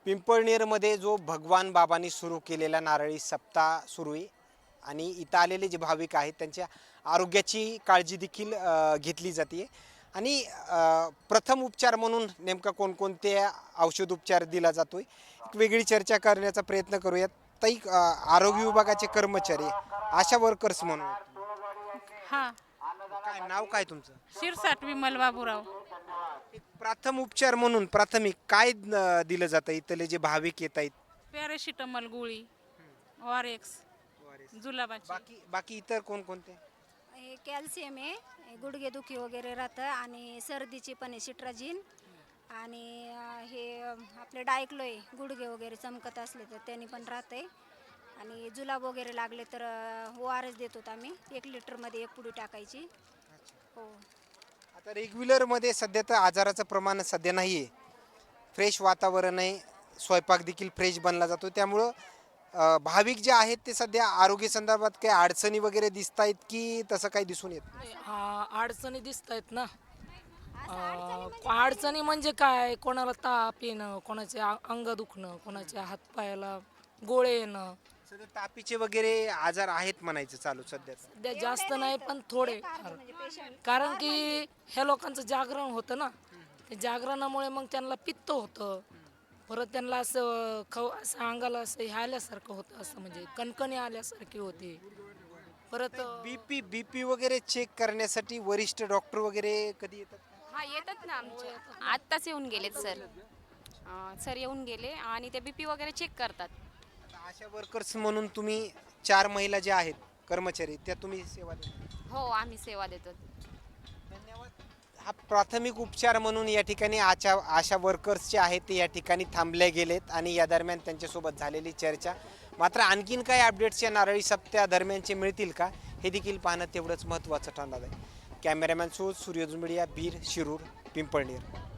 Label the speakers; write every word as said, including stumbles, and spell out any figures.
Speaker 1: पिंपळनेरमध्ये जो भगवान बाबांनी सुरू केलेला नारळी सप्ताह सुरू आहे आणि इथं आलेले जे भाविक आहेत त्यांच्या आरोग्याची काळजी देखील अ, घेतली जाते आणि अ, प्रथम उपचार म्हणून नेमका कोणकोणते औषध उपचार दिला जातोय एक वेगळी चर्चा करण्याचा प्रयत्न करूयात. ताई, अ, आरोग्य विभागाचे कर्मचारी आशा वर्कर्स म्हणून
Speaker 2: हा.
Speaker 1: काय नाव काय तुमचं?
Speaker 2: शिरसाट विमल बाबूराव.
Speaker 1: एक प्राथम उपचार म्हणून प्राथमिक काय अ, दिलं जातं इथले जे भाविक येत आहेत?
Speaker 2: पॅरासिटामॉल गोळी, ऑर एक्स, जुलाबाची.
Speaker 1: बाकी बाकी इतर कोणकोणते?
Speaker 3: हे कॅल्शियम आहे, हे गुडघेदुखी वगैरे राहतं आणि सर्दीची पण आहे सिट्राजिन आणि अं, हे अं, आपले डायक्लो आहे, गुडघे वगैरे चमकत असले तर त्यांनी पण राहते आणि जुलाब वगैरे लागले तर ओ आर एस देतो आम्ही, एक लिटरमध्ये एक पुडी टाकायची. हो.
Speaker 1: आता रेग्युलरमध्ये सध्या तर आजाराचं प्रमाण सध्या नाही आहे, फ्रेश वातावरण आहे, स्वयंपाक देखील फ्रेश बनला जातो, त्यामुळं अ, भाविक जे आहेत ते सध्या आरोग्य संदर्भात काही अडचणी वगैरे दिसत आहेत की तसं काही दिसून येत नाही?
Speaker 4: आ, अडचणी दिसत आहेत ना. आ, अडचणी म्हणजे काय, कोणाला ताप येणं, कोणाचे आ- अंग दुखणं, कोणाच्या हातपायाला गोळे येणं.
Speaker 1: सध्या तापीचे वगैरे आजार आहेत म्हणायचं चालू सध्या.
Speaker 4: सध्या जास्त नाही पण थोडे फार. कारण की ह्या लोकांचं जागरण होतं ना, ते जागरणामुळे मग त्यांना पित्त होतं, परत त्यांना असं खव असं अंगाला असं हे आल्यासारखं होतं, असं म्हणजे कणकणी आल्यासारखी होती. परत
Speaker 1: बीपी बीपी वगैरे चेक करण्यासाठी वरिष्ठ डॉक्टर वगैरे कधी येतात?
Speaker 5: हा येतात ना आमच्या आत्ताच येऊन गेलेत सर. अं, सर येऊन गेले आणि ते बीपी वगैरे चेक करतात.
Speaker 1: आता आशा वर्कर्स म्हणून तुम्ही चार महिला ज्या आहेत कर्मचारी त्या तुम्ही सेवा देता.
Speaker 5: हो आम्ही सेवा देतो.
Speaker 1: धन्यवाद. हा प्राथमिक उपचार म्हणून या ठिकाणी आशा आशा वर्कर्स जे आहेत ते या ठिकाणी थांबले गेलेत आणि या दरम्यान त्यांच्यासोबत झालेली चर्चा. मात्र आणखीन काही अपडेट्स या नारळी सप्त्या दरम्यानचे मिळतील का हे देखील पाहणं तेवढंच महत्त्वाचं ठरणार आहे. कॅमेरामॅन सो सूर्यज मीडिया, बीर, शिरूर, पिंपळनेर.